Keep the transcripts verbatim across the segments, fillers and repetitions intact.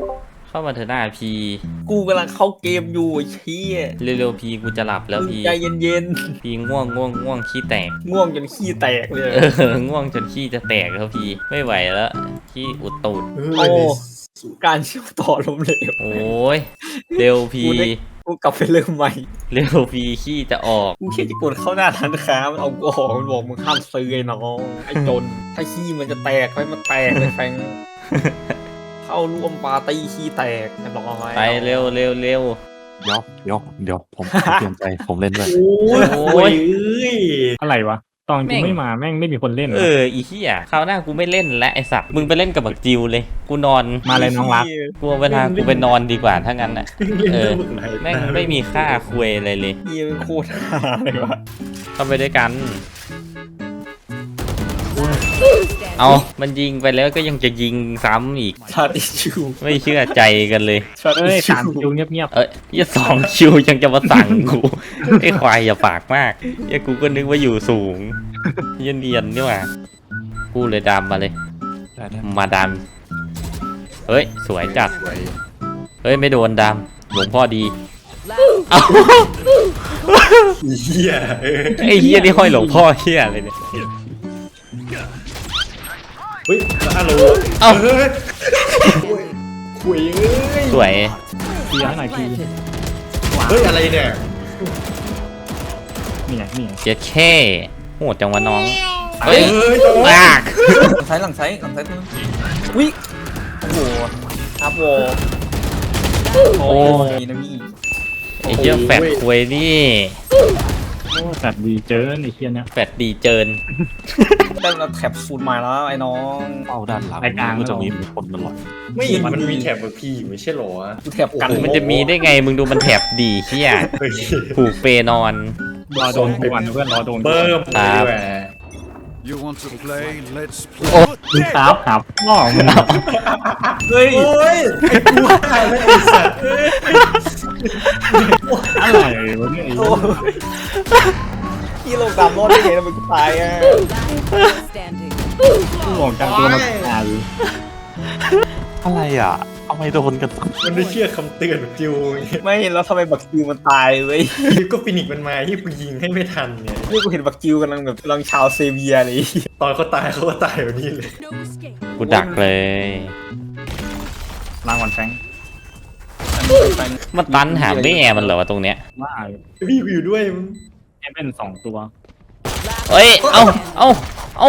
เข้ามาเถอะหน้าพีกูกำลังเข้าเกมอยู่เชี่ยเร็วๆพีกูจะหลับแล้วพีใจเย็นพีง่วงง่วงง่วงขี้แตกๆง่วงจนขี้แตกเลยเออง่วงจนขี้จะแตกแล้วพีไม่ไหวแล้วขี้อุดตูดโอ้การเชื่อมต่อล้มเหลวโอ้ยเร็วพีกูได้กูกลับไปเริ่มใหม่เร็วพีขี้จะออกกูแค่จะกดเข้าหน้าร้านค้ามันเอากูออกมันบอกมึงห้ามซื้อไอ้น้องไอ้จนถ้าขี้มันจะแตกให้มันแตกเลยแฟงเข้าร่วมปาร์ตี้ขี้แตกเรียบร้อยไปเร็วเร็วเร็วเดี๋ยวเดี๋ยวเดี๋ยวผมเปลี่ยนใจผมเล่นด้วยโอ้ยโอ้โอ้ยยเอ้ยอะไรวะตอนกูไม่มาแม่งไม่มีคนเล่นเอออีขี้อ่ะคราวหน้ากูไม่เล่นและไอสัตว์มึงไปเล่นกับบักจิวเลยกูนอนมาเลยน้องรักกูเอาเวลากูไปนอนดีกว่าถ้างั้นอ่ะเออแม่งไม่มีค่าคุยอะไรเลยเฮียเป็นโคตรฮาเลยวะเข้าไปด้วยกัน เอามันยิงไปแล้วก็ยังจะยิงซ้ำอีกชาติชูไม่เชื่อใจกันเลยชาติเอ้ยชูสามคิวเงียบเอ้ยยี่สองคิวยังจะมาสั่งกู ไอ้ควายอย่าปากมากไอ้กูก็นึกว่าอยู่สูงเย็นเนียนนี่หว่ากูเลยดำมาเลยได้ได้มาดำเฮ้ยสวยจัดสวยเฮ้ยไม่โดนดำหลวงพ่อดีเอ้าเฮียเออไอ้เฮียนี่ห้อยหลวงพ่อเฮียอะไรเนี่ยเฮ้ยฮัลโหลเอ้าคุยเอ้ยสวยๆทีละหน่อยทีเฮ้ยอะไรเนี่ยนี่ไงนี่ไงเจ็ดแค่โหดจังวะน้องเฮ้เฮ้ยยมากหลังซ้ายหลังซ้ายหลังซ้ายตัวนึงวิโอ้โหครับโวโอ้ยนะพี่ไอ้เหี้ยแฟดควยนี่โอ้สัตว์ดีเจอไอ้เคียเนี้ยแฟดดีเจินได้เราแท็บสูตรใหม่แล้วไอ้น้องเป้าด้านหลังก็จะมีคนตลอดไม่เห็นมันมีแถบแบบพี่อยู่ไม่ใช่เหรอวะกูแท็บกันมันจะมีได้ไงมึงดูมันแถบดีเหี้ยเฮ้ยผูกเปนอนรอโดนกูวันเพื่อนรอโดนกูเบิ่มครัเลยบแหว You want to play? Let's โอ้ play. มึงครับครับพ่อมึงเฮ้ยโอ้ยไอ้กูว่าไม่ไอ้สัตว์อะไรวะเนี่ยไอ้โอ้ยพี่ลงตามรถได้ไงทำไมกูตายอ่ะ standing. กูบอกกันตัวมันตายอะไรอ่ะเอาไม่โดนกันมันไม่เชื่อคำเตือนของจิวอย่างเงี้ยไม่แล้วทำไมบักจิวมันตายเว้ยก็ฟินิกซ์มันมาที่กูยิงให้ไม่ทันเนี่ยนี่กูเห็นบักจิวกำลังแบบกำลังชาวเซเวียเลยตอนเขาตายเขาก็ตายแบบนี้เลย No escape. กูดักเลยรางวัลแฟงมันตันหาแม่มันเหรอวะตรงเนี้ยว่าพี่กูอยู่ด้วยมึงแอเป็นสองตัวเอ้ย เอ้า เอ้า เอ้า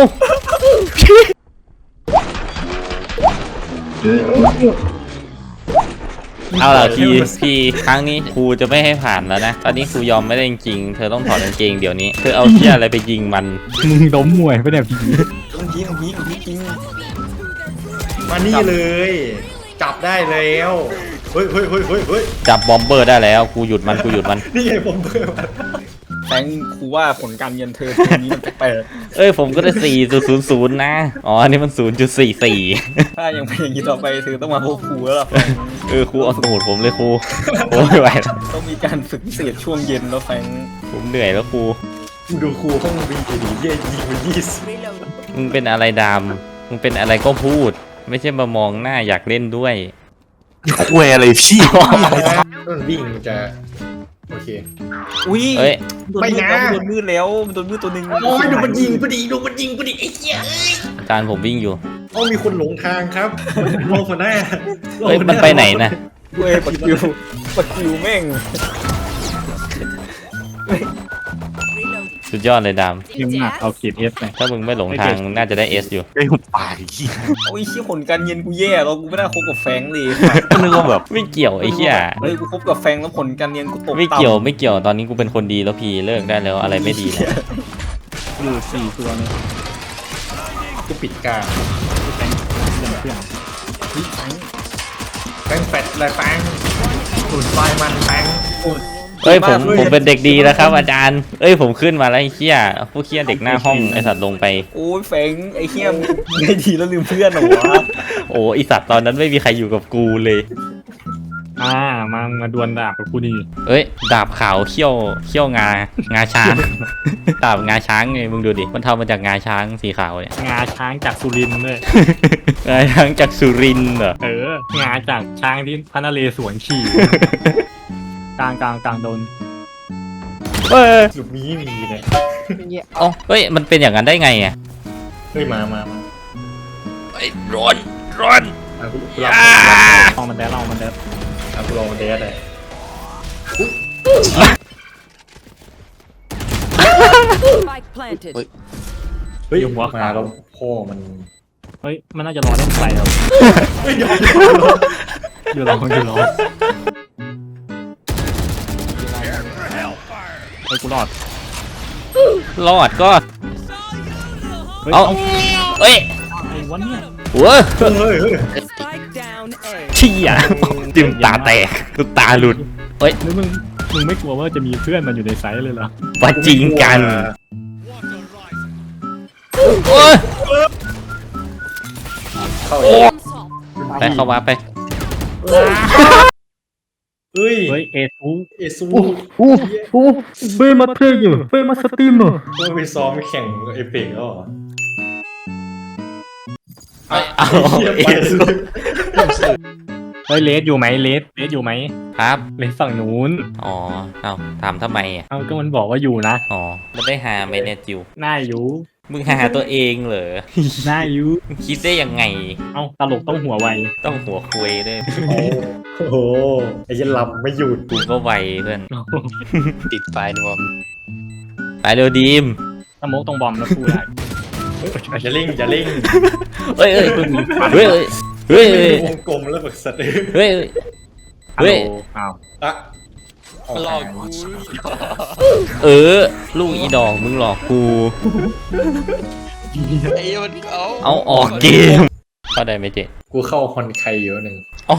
เอาล่ะพี่พี่ครั้งนี้ครูจะไม่ให้ผ่านแล้วนะ ตอนนี้ครูยอมไม่ได้จริงๆเธอต้องถอดกางเกงเดี๋ยวนี้ เธอเอาเชี่ยอะไรไปยิงมันมึงล้มมวยปะเนี่ยพี่มันพีมันพีมันพีจริงมานี่เลย จับได้แล้วเฮ้ยเฮ้ยเฮ้ยเฮ้ยเฮ้ยจับบอมเบอร์ได้แล้วกูหยุดมันกูหยุดมันนี่ไงผมเพิ่มมาแฟงกูว่าผลการเรียนเธอทีนี้มันแปลกเอ้ยผมก็ได้สี่จุดศูนย์ศูนย์นะ อ๋ออันนี้มันศูนย์จุดสี่สี่ๆถ้ายังเป็นอย่างนี้ต่อไปเธอต้องมาพบครูแล้วล่ะแฟงเออครูเอาสูตรผมเลยครูโอ้ยไม่ไหวแล้วต้องมีการฝึกพิเศษช่วงเย็นแล้วแฟงผมเหนื่อยแล้วครูกูดูครูห้องบีดีเยี่ยยิงมันยี่สิบ Reload. มึงเป็นอะไรดำมึงเป็นอะไรก็พูด ไม่ใช่มามองหน้าอยากเล่นด้วยคุยอะไรพี่มันวิ่งจะโอเคอุ้ยเอ้ยโดนมืดแล้วโดนมืดแล้วมันโดนมืดตัวหนึ่งโอ้ยดูมันยิงพอดีดูมันยิงพอดีไอ้เหี้ยอาจารย์ผมวิ่งอยู่โอ้มีคนหลงทางครับโลหัวหน้าเฮ้ยมันไปไหนนะเว้ยปักคิวปักคิวแม่ง Reload. สุดยอดเลยดทีมหนักเอาเกียรติเอสไปำถ้ามึงไม่หลงทางมึงน่าจะได้เอสอยู่ไอ้หุบปากขี้โอ้ยชี้ผลการเรียนกูแย่แล้วกูไม่น่าคบกับแฟงเลยก็นึกว่าแบบไม่เกี่ยวไอ้เหี้ยเฮ้ยกูคบกับแฟงแล้วผลการเรียนกูตกไม่เกี่ยวไม่เกี่ยวตอนนี้กูเป็นคนดีแล้วพี่เลิกได้แล้วอะไรไม่ดีแล้วอยู่สี่ตัวเนี่ยกูปิดกลางแฟงเพื่อนเพื่อนแป้งแฟดอะไรแป้งสูดไฟมันแป้งเอ้ยผมผมเป็นเด็กดีแล้วครับ อาจารย์ เอ้ยผมขึ้นมาแล้วไอ้เหี้ยพวกเหี้ยเด็กหน้าห้องไอ้สัตว์ลงไปโอ้ยแฟงไอ้เหี้ยมึงได้ดีแล้วลืมเพื่อนเหรอวะโอ้ไอสัตว์ตอนนั้นไม่มีใครอยู่กับกูเลยอ่ามามาดวลดาบกับกูดีเอ้ยดาบขาวเขี้ยวเขี้ยวงางาช้าง ดาบงาช้างไงมึงดูดิมันทำมาจากงาช้างสีขาวเนี่ยงาช้างจากสุรินทร์ด้วยงาช้างจากสุรินทร์เหรอเอองาจากช้างที่พระนเรศวรขี่ กลางกลางกลางโดนเอ้ยหลุมนี้มีเลยเอ้าเฮ้ยมันเป็นอย่างนั้นได้ไงอ่ะเฮ้ยมามามาเฮ้ยร้อนร้อนอ่ะกูกูลอ่าลองมันแดดลองมันแดดอ่ะกูลองเดทเลย Spike planted. เฮ้ยมาแล้วพ่อมันเฮ้ยมันน่าจะรอเล่นไฟครับเฮ้ยเดี๋ยวอยู่รออยู่รอเฮ้ยกูรอดรอดก็เฮ้ยเอาเอาเอ้ยไอ้วันเนี่ยเว้ยเฮ้ยเฮ้ย Spike down A. เชี่ยจิ้มตาแตกกูตาหลุดเฮ้ยแล้วมึงมึงไม่กลัวว่าจะมีเพื่อนมันอยู่ในไซส์เลยเหรอว่าจริงกันโอ้ยเข้าโอ้อีกไปเข้ามาไปเฮ้ยเฮ้ยเอทูเอซูอู้อู้เฟ้มาเทอยู่เฟ้มาสตรีมเหรอเพิ่งไปซ้อมแข่งเอเปกแล้วเหรอเอาเหี้ยเอไปซูเฮ้ยเลสอยู่ไหมเลสเลสอยู่ไหมครับเลสฝั่งนู้นอ๋อเอาถามทำไมอ่ะเอาก็มันบอกว่าอยู่นะอ๋อมันได้หาไหมเนี่ยจิวหน้าอยู่มึงหาตัวเองเหรอหน้าอยู่มึงคิดได้ยังไงเอ้าตลกต้องหัวไวต้องหัวคุยด้วยโอ้โหไอ้ยันลำไม่หยุดกูก็ไวเพื่อนติดไฟนวมไปเร็วดีมสโมกตรงบอมแล้วพูดได้อย่าเล่งอย่าเล่งเฮ้ยเฮ้ยเพิ่งมีฟันเฮ้ยเฮ้ยไม่เฮ้ยมีวงกลมแล้วแบบสัตว์เฮ้ยฮัลเฮ้โหลยอ้าวอะหลอกกูเออ ลูกอีดอกมึงหลอกกูไอ้มันเขาเอาออกเกมเข้าได้ไหมเจ๊กูเข้าฮอนไคเยอะหนึ่งอ๋อ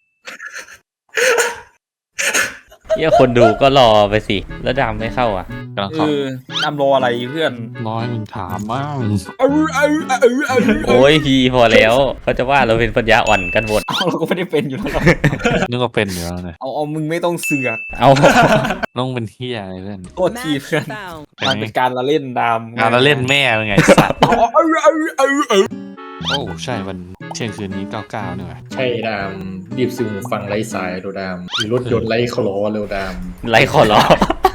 เฮียคนดูก็รอไปสิ แล้วดำไม่เข้าอ่ะกำลังเอเข้าอนำรออะไรเพื่อนร้อยมึงถามบ้างเอาเอาเอาเอาเอาโอ้ยพีพอแล้ว เขาจะว่าเราเป็นปัญญาอ่อนกันหมดเอาเราก็ไม่ได้เป็นอยู่แล้วหรอกนึกว่าเป็นอยู่แล้วเนี่ยเอาเอามึงไม่ต้องเสือกเอาต้องเป็นเฮียอะไรเพื่อนโทษที Match เพื่อน found. มันเป็นการละเล่นดามงานเราเล่นแม่เป็นไงสัตว์เอาเอาเอาเอาเอาโอ้ใช่วันเที่ยงคืนนี้เก้าเก้าเนี่ยว่ะใช่ดามรีบซื้อหูฟังไร้สายโดดามมีรถยนต์ไร้คลอเร็วดามไรขอร้อง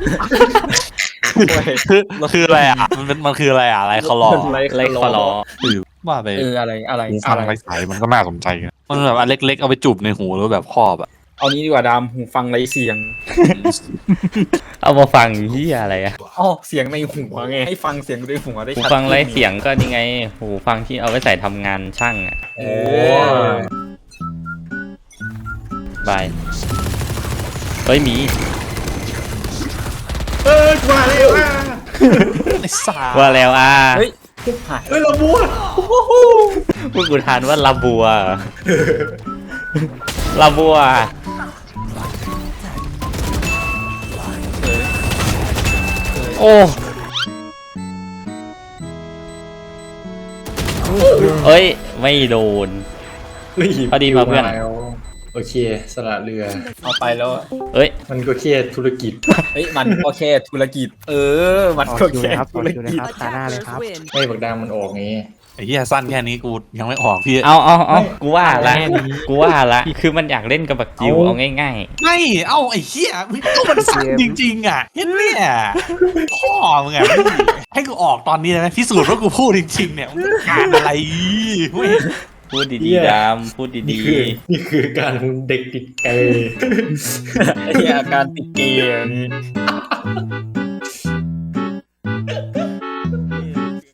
คือคืออะไรอ่ะมันเป็นมันคืออะไรอ่ะอะไรเขาหลอกไรขอร้องคือว่าไปเอออะไรอะไรหูอะฟังไรไร้สายมันก็น่าสนใจนะมันแบบอันเล็กๆเอาไปจุบในหูแล้วแบบครอบอ่ะเอานี้ดีกว่าดามหูฟังไรเสียงเอามาฟังเฮียอะไรอะอ๋อเสียงในหัวไงให้ฟังเสียงในหัวได้หูชัดฟังไรเสียงก็นี่ไง หูฟังที่เอาไว้ใส่ทำงานช่างอะเอโอ้อบาย เฮ้ยหมีเอ้ยมาเลยว่ะไอ้สาว่าแล้วอ่ะเฮ้ยหายเฮ้ยเราบัวพวกกูทานว่าลาบัว ลาบัว โอ้ เอ้ย ไม่โดนเฮ้ยพอดีมาเพื่อนแล้วโอเคสละเรือเอาไปแล้วอะเอ้ยมันก็แค่ธุรกิจเฮ้ยมันก็แค่ธุรกิจ เออ มันก็แค่ธุรกิจ Attackers win. ไม่บักดามมันออกงี้ไอ้เหี้ยสั้นแค่นี้กูยังไม่ออกพี่เอาเอาเอากูว่าละ กูว่าละ คือมันอยากเล่นกับบักจิวเอาง่ายไม่เอ้าไอ้เหี้ยก็มันสั้นจริงๆอ่ะเห็นเนี่ยพ่อมึงอ่ะให้กูออกตอนนี้นะพิสูจน์ว่ากูพูดจริงๆเนี่ยมึงต้องการอะไรเว้ยๆ พูดเหี้ดียๆดำพูดนี่ดีคือนี่คือการเด็กติดเกย์ไอ้อาการติดเกย์อันนี้